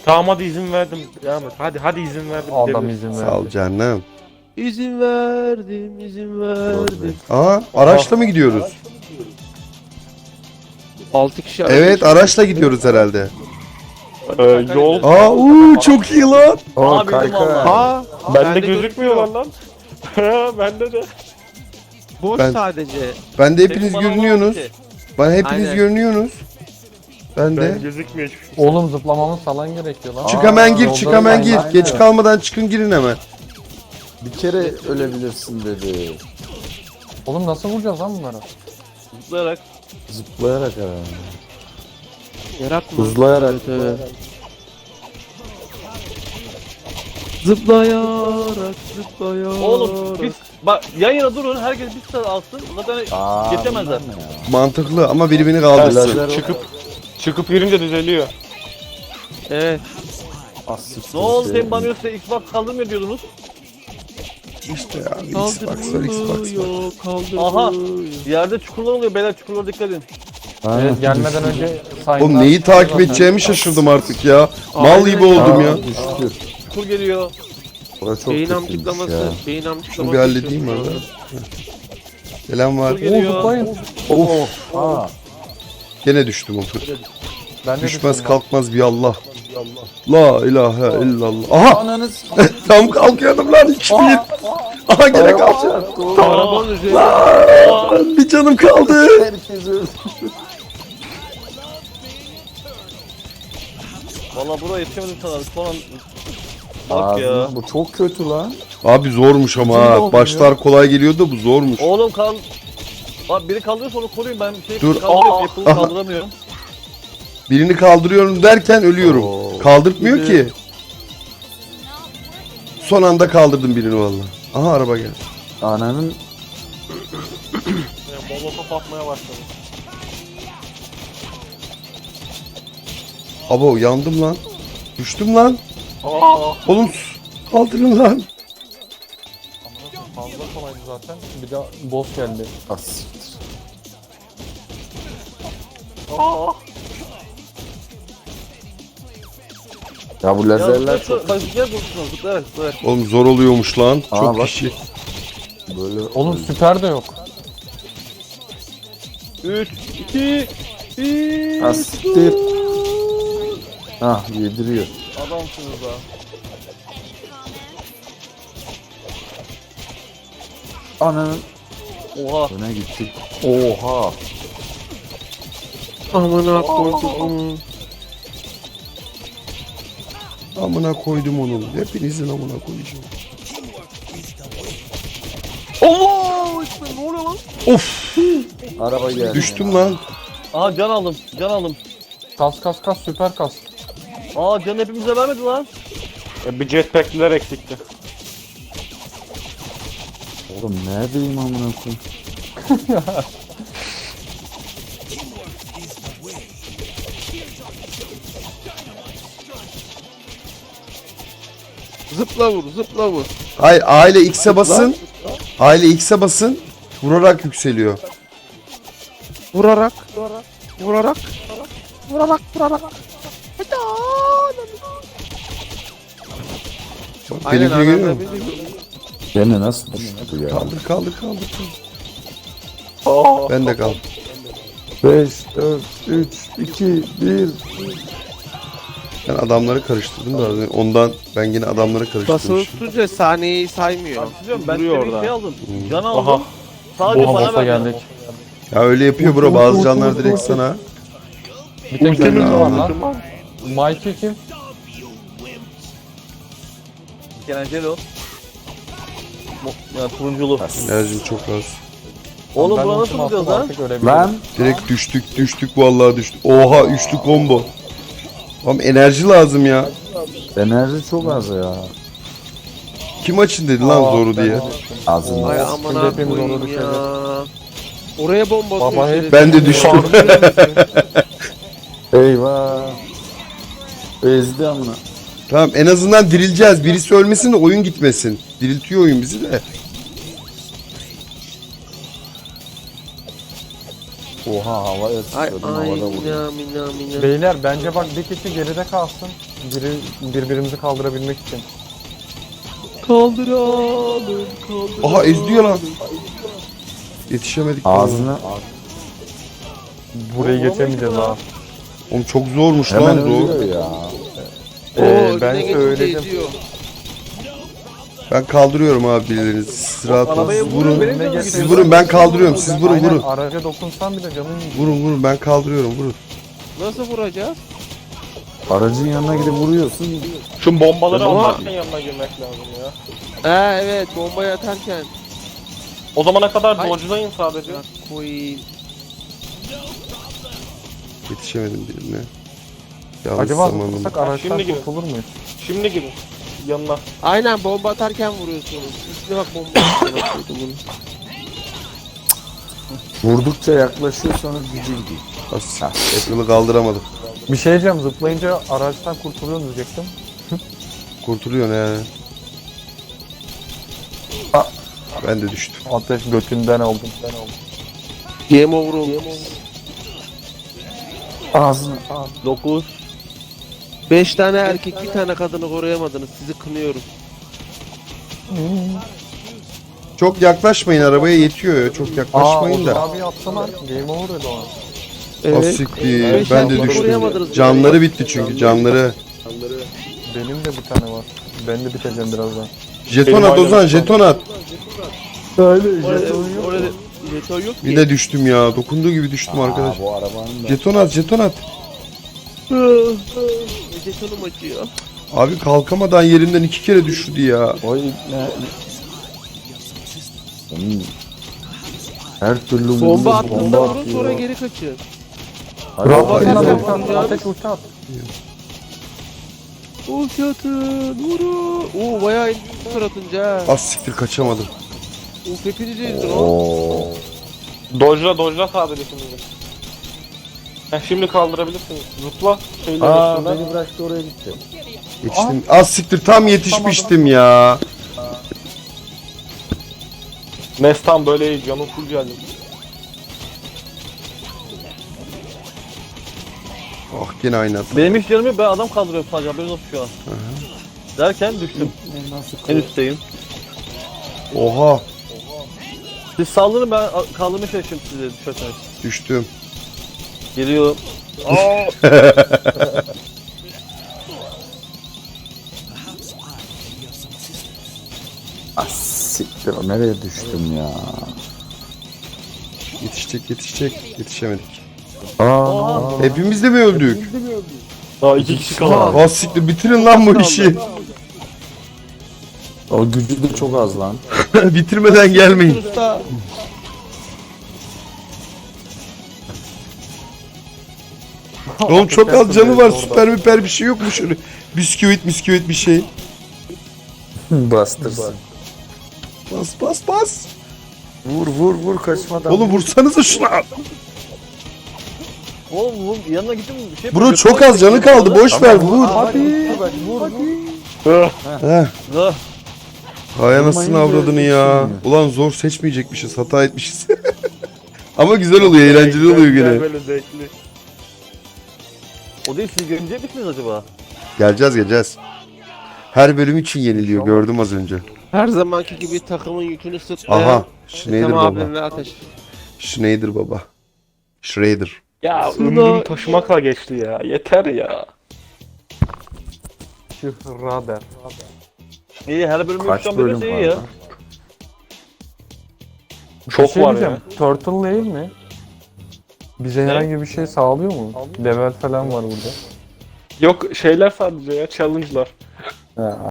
Tamam hadi izin verdim. Devam et. Hadi izin verdim. Adam gidebiliriz. izin Sağ ol verdi. canım. İzin verdim. Aa, araçla mı gidiyoruz? 6 kişi Evet, araçla gidiyoruz herhalde. Yol. Çok iyi lan. Aa bildim valla. Aa, Bende gözükmüyorlar lan. Bende de. Boş Ben- sadece. Ben de hepiniz Senin bana görünüyorsunuz. olmadı ki. Bana hepiniz Aynen. görünüyorsunuz. Ben de. Ben gözükmüyor hiçbir şey. Oğlum zıplamamız falan gerekiyor lan. Çık hemen gir, yolda çık hemen gir. aynen. Geç kalmadan çıkın girin hemen. Bir kere ölebilirsin dedi. Oğlum nasıl vuracağız lan bunları? Zıplayarak. Zıplayarak herhalde. Yarak mı? Hızlayarak. Evet. Zıplayarak. Oğlum biz bak yan yana durun herkes bir sıra alsın. Zaten geçemezler. bunlar ne ya? Mantıklı ama biri beni kaldırsın. Lazer Çıkıp girince düzeliyor. Evet. Ne oldu senin bana yoksa Xbox kaldırmıyor diyordunuz. İşte ya, Xbox var, Xbox var. Kaldırmıyor. Aha. Yerde çukurlar oluyor beyler, çukurlara dikkat edin. Evet, gelmeden önce sayınlar. Oğlum neyi takip edeceğimi şaşırdım artık ya. Mal gibi oldum ya. Düştü. Çukur geliyor. Orası çok Beyin kötüymüş amcıklaması. ya. Beyin amcıklaması. Şunu bir halledeyim arada. Selam var. Çukur geliyor. Zıplayın. Of. Aa, Gene düştüm. Ben de Düşmez düştüm kalkmaz bir Allah. La ilahe illallah. Aha! ananız. Tam kalkıyordum lan 2-1. Aha gene kalkacağım. Arabanın üzerinde. Bir canım kaldı. Herkes öldü. Valla buraya yetişemedim sana. Son an... Bak ya. Ağzına, bu çok kötü lan. Abi zormuş ama ha. Başlar kolay geliyor da bu zormuş. Oğlum kal... Bak biri kaldırıyorsa onu koruyun, ben şey Dur. kaldırıyorum, Apple'ı Aha. kaldıramıyorum. Birini kaldırıyorum derken ölüyorum. Oo. Kaldırtmıyor ki. Son anda kaldırdım birini valla. Aha araba geldi. Ananın Molotof atmaya başladı. Abo yandım lan. Düştüm lan. Oğlum kaldırın lan. Fazla kolaydı zaten. Bir de boss geldi. asiktir. Ya bu Ya lazerler zıplayarak, çok bak zıplayarak vursunuz, zıplayarak. Oğlum zor oluyormuş lan. Aa, Çok bak. kişi. böyle. Oğlum süper de yok. 3, 2, 1. Asiktir. Ah yediriyor. Adamsınız ha. Ananın Oha. öne gittik. Oha. Amına koydum. Amına koydum onu. Hepinizin amına koyacağım. Allah! İşte ne oluyor lan? Of! Araba geldi. Düştüm lan. Aha can aldım, can aldım. Kas kas kas süper kas. Aa can hepimize vermedi lan. Bir jetpack'liler eksikti. Oğlum neredeyim amına koyayım? Zıpla vur, zıpla vur. Hayır aile X'e basın. Aile X'e basın. Vurarak yükseliyor. Vurarak. Vurarak. Vurarak. Bak, Aynen benimkini görüyor aynen. musun? Gene nasıl düştü ya? Kaldır. Ben de kaldım. 5, 4, 3, 2, 1. Ben adamları karıştırdım da ondan ben yine adamları Basılı karıştırmışım. tutunca saniyeyi saymıyor. Biliyorum ben Duruyor bir orada. şey aldım. Hmm. Can Aha. aldım. Sadece Oha bana boss'a verdi. geldik. Ya öyle yapıyor bro bazı canlar direkt sana. Bir tek Ultimiz önümüz var var. lan. Mikey kim? Kenenceli ya turunculu. Enerjim çok az. Oğlum Ben buna nasıl ultimi attım, vuracağız lan? artık ölebilirim. Lan Direkt düştük vallahi düştük. Oha üçlü combo. Oğlum enerji lazım ya. enerji çok az ya. Kim açın dedi lan Aa, zoru ben diye. de düştüm. Azın. Ay Şimdi amına hepimiz onu koyayım düşeceğiz. ya. Oraya bomba Baba atıyor. hep- Ben de düştüm. Eyvah. Ezdi amına. Tamam en azından dirileceğiz. Birisi ölmesin de oyun gitmesin. Diriltiyor oyun bizi de. Oha havaya Ay sıçradım ay havada vuruyor. mina mina mina. Beyler bence bak bir kişi geride kalsın. Birbirimizi kaldırabilmek için. Kaldıralım. Aha ezdiyor lan. Yetişemedik. Ağzına Burayı geçemeyeceğiz ha. Oğlum çok zormuş hemen lan zor. ölüyor ya. Ben söyledim. Ben kaldırıyorum abi birilerinizi. Siz rahat olun. Arabaya Siz vurun, vurun. benim de mi Siz gidiyorsun? vurun ben kaldırıyorum. Siz vurun Aynen, vurun. araca dokunsan bile canın gidiyor. Vurun vurun ben kaldırıyorum vurun. Nasıl vuracağız? Aracın yanına gidip vuruyorsun. Şu bombaları Ama- atarken yanına girmek lazım ya. Evet bombayı atarken. O zamana kadar Ay. dodge'layın sadece. Koyayım. Yetişemedim birine. Yanlış Acaba zamanında. tutsak araçtan Şimdi girin. kurtulur muyuz? Şimdi girin. Yanına. Aynen bomba atarken vuruyorsunuz. Üstüne bak bomba atıyordum bunu. Vurdukça yaklaşıyor sonra gücü gidiyor. As, Apple'ı kaldıramadım. Bir şey diyeceğim, zıplayınca araçtan kurtuluyor diyecektim. Kurtuluyor ne? Ben de düştüm. Ateş götünden oldum. Game over oldu. Ağzına. 9. 5 tane erkek bir tane kadını koruyamadınız. Sizi kınıyorum. Çok yaklaşmayın arabaya yetiyor ya. Çok yaklaşmayın da. Abi yapsana. Game over dedi o an. Az siktir. Beş Ben de dakika düştüm. koruyamadınız Canları bitti çünkü canları. Benim de bir tane var. Ben de biteceğim birazdan. Jeton at Ozan jeton at. Orada jeton yok Bir ki. de düştüm ya. Dokunduğu gibi düştüm arkadaş. Bu arabanın da. Jeton at jeton at. Jetonum acıyor. Abi kalkamadan yerinden 2 kere düşürdü ya. O ne? Onun her türlü Bomba vurdu, attığında vurun atıyor. sonra geri kaçın. Hadi Bravo. bakalım. Bomba Ateş atarken at, vuracağız. ateş uçtu at. Uçatın vurun. Oo bayağı indi tur atınca ha. Az siktir kaçamadım. Uf hepiniz indin o. Oo. Dodge'la sadece şimdi. Şimdi kaldırabilirsiniz. Zıpla. Şeyle Aa üstünden. beni bıraktı oraya gitti. Yetiştim. Az siktir tam yetişmiştim ya. Nestan böyle iyi. Canım full geldi. Ah gene aynı hata. Benim hiç canım yok. Ben adam kaldırıyorum sadece. Haberiniz olsun şu an. Derken düştüm. Nasıl En üstteyim. Oha Siz saldırın, ben kaldırmaya çalışıyorum sizi düşerseniz. düştüm. Geliyorum. Ah siktir nereye düştüm ya. Yetişecek yetişemedik. Aa. Hepimiz de mi öldük? Daha 2 kişi kaldı. Az siktir bitirin lan bu işi. O gücü de çok az lan. Bitirmeden gelmeyin. Usta. Oğlum çok az canı var süper müper bir şey yok mu şöyle? Bisküvit bir şey. Bastırsın. Bas. Vur kaçmadan. Oğlum vursanıza şuna. Oğlum bu yanına gittim bir şey. Bro çok az canı kaldı boş ver vur. Hadi. Vur. Heh. Ah, Hay anasını Vurmayınca avradını ya. yetişmiyor. Ulan zor seçmeyecekmişiz hata etmişiz. Ama güzel oluyor eğlenceli oluyor gene. Böyle zevkli. O değil, siz görecek misiniz acaba? Geleceğiz. Her bölüm için yeniliyor gördüm az önce. Her zamanki gibi takımın yükünü sırtlayan Aha Schneider Ethem baba. abim ve Ateş. Schneider baba. Schrader. Ya Şurada- ömrüm taşımakla geçti ya. Yeter ya. Şıhrader. İyi, her bölüm Kaç yoktan bölüm böyle var iyi ya. lan? Çok şey var diyeceğim, ya. Turtle değil mi? Bize herhangi bir şey sağlıyor mu? Level falan var burada. Yok şeyler sadece ya. Challenge'lar. Ha,